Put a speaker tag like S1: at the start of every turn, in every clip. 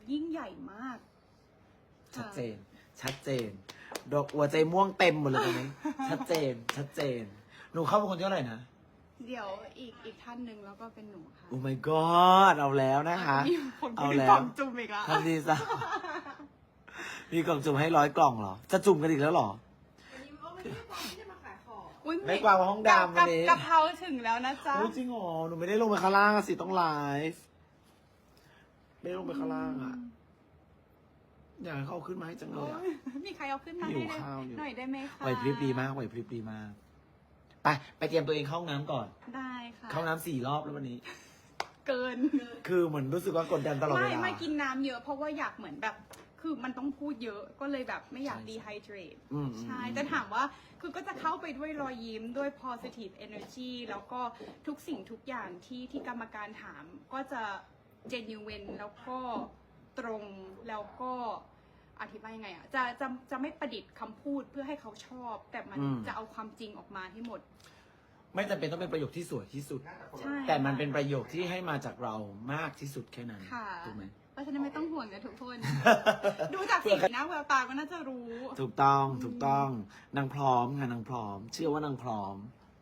S1: ยิ่งใหญ่มาก
S2: ชัดเจน ชัดเจน ดอกหัวใจม่วงเต็มหมดเลยตอนนี้ ชัดเจน ชัดเจน หนูเข้าเป็นคนที่เท่าไหร่นะ
S1: เดี๋ยวอีกท่านหนึ่งแล้วก็เป็นหนูค่ะ
S2: โอ้ my god เอาแล้วนะคะ
S1: มีคน
S2: เอา
S1: เป็น
S2: แล้
S1: กล่
S2: ว
S1: องจุ่มอีกแล้ว
S2: ทันทีซะมีกล่องจุ่มให้100 กล่องเหรอ จะจุ่มกันอีกแล้วเหรอ
S3: วันนี้ไม่ได้บอกที่จะมาขายของ
S1: อุ๊ย
S2: ไม่กวางมาห้องดำวันนี้
S1: กะเพราถึงแล้วนะจ๊ะ
S2: โอ้ยจริงเหรอ หนูไม่ได้ลงไปข้างล่างอะสิต้องไลฟ์ไม่ได้ลงไปข้างล่างอะอยากให้เขาเอาขึ้นมาให้จังเลยอะ
S1: มีใครเอาขึ้นมา
S2: หิว
S1: ให้
S2: ข้าวอยู่
S1: หน่อยได้ไหมคะ
S2: ไหวพริบดีมากไหวพริบดีมาก ไปเตรียมตัวเองเข้าห้องน้ำก่อน
S1: ได้ค่ะ
S2: เข้าห้องน้ำ4 รอบแล้ววันนี้
S1: เกิน
S2: คือเหมือนรู้สึกว่ากดดันตลอดเวลา
S1: ไม่กินน้ำเยอะเพราะว่าอยากเหมือนแบบ คือมันต้องพูดเยอะก็เลยแบบไม่อยาก
S2: ใช่
S1: ดีไฮเดรต
S2: อืม
S1: ใช่แต่ถามว่าคือก็จะเข้าไปด้วยรอยยิ้มด้วย positive energy แล้วก็ทุกสิ่งทุกอย่างที่กรรมการถามก็จะ genuine แล้วก็ตรงแล้วก็อธิบายยังไงอ่ะจะไม่ประดิษฐ์คำพูดเพื่อให้เขาชอบ แต่มันจะเอาความจริงออกมาให้หมด
S2: ไม่จำเป็นต้องเป็นประโยคที่สวยที่สุด
S1: ใช่
S2: แต่มันเป็นประโยคที่ให้มาจากเรามากที่สุดแค่นั้น
S1: ค่ะ
S2: ถูกไหม
S1: เพราะฉะนั้นไม่ต้องห่วงนะทุกคน ดูจากสีหน้าแววตาก็น่าจะรู้
S2: ถูกต้องถูกต้องนางพร้อมค่ะนางพร้อม เชื่อว่านางพร้อม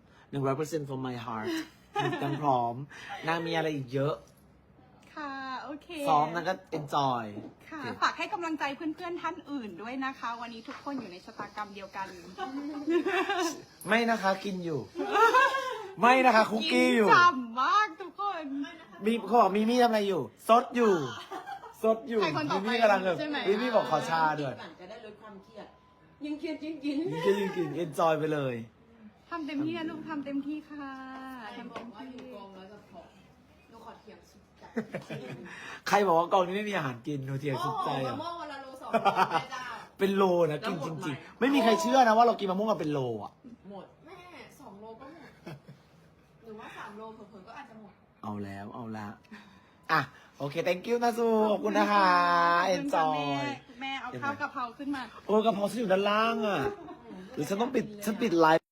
S2: 100% from my heart นางพร้อมนางมีอะไรอีกเยอะ
S1: ค่ะ โอเค
S2: ซ้อมนางก็ enjoy
S1: ค่ะ
S2: โอเค
S1: ฝากให้กำลังใจเพื่อนๆท่านอื่นด้วยนะคะ วันนี้ทุกคนอยู่ในชะตากรรมเดียวกัน
S2: ไม่นะคะกินอยู่ ไม่นะคะคุกกี้อยู่
S1: ฉ่ำมากทุกคน
S2: มีเขาบอกมีมี่ทำอะไรอยู่ซดอยู่ซดอยู่
S1: ใครคนต่อไป
S2: มีมี่กำลังแบบ
S1: ใช่ไหม
S2: มีมี่บอกขอชาด้วย
S3: จะได้ลดความเครียดยิ่งเครียดยิ่งกิน
S2: ยิ่งกินยิ่งกิน enjoy ไปเลย
S1: ทำเต็มที่นะลูกทำเต็มที่ค่ะทำ
S3: บอ
S1: เต็
S3: ก
S1: ม
S3: ว่าอ
S1: ที่
S3: ยู่กองแล้วจะผอมหนูขอเถียงสุดใจ
S2: ใครบอกว่ากองนี้ไม่มีอาหารกินหนูเทียงสุดใจ
S3: มะ
S2: อ่ะ
S3: ม่วงวันละโล2 โลแม่เจ้า
S2: เป็นโลนะกินจริงๆ ไม่มีใครเชื่อนะว่าเรากินมะม่วงกันเป็นโลอ่ะ
S3: หมดแม่2 โลก็หมดหรือว่า3 โลเผลอๆก็อาจจะหมด
S2: เอาแล้วเอาละอ่ะโอเค thank you นะซูขอบคุณนะคะ enjoy
S1: แม่เอาข้าวกะเพราขึ้นมา
S2: โอ้กระเพราฉันอยู่ด้านล่างอ่ะหรือฉันต้องปิดไลฟ์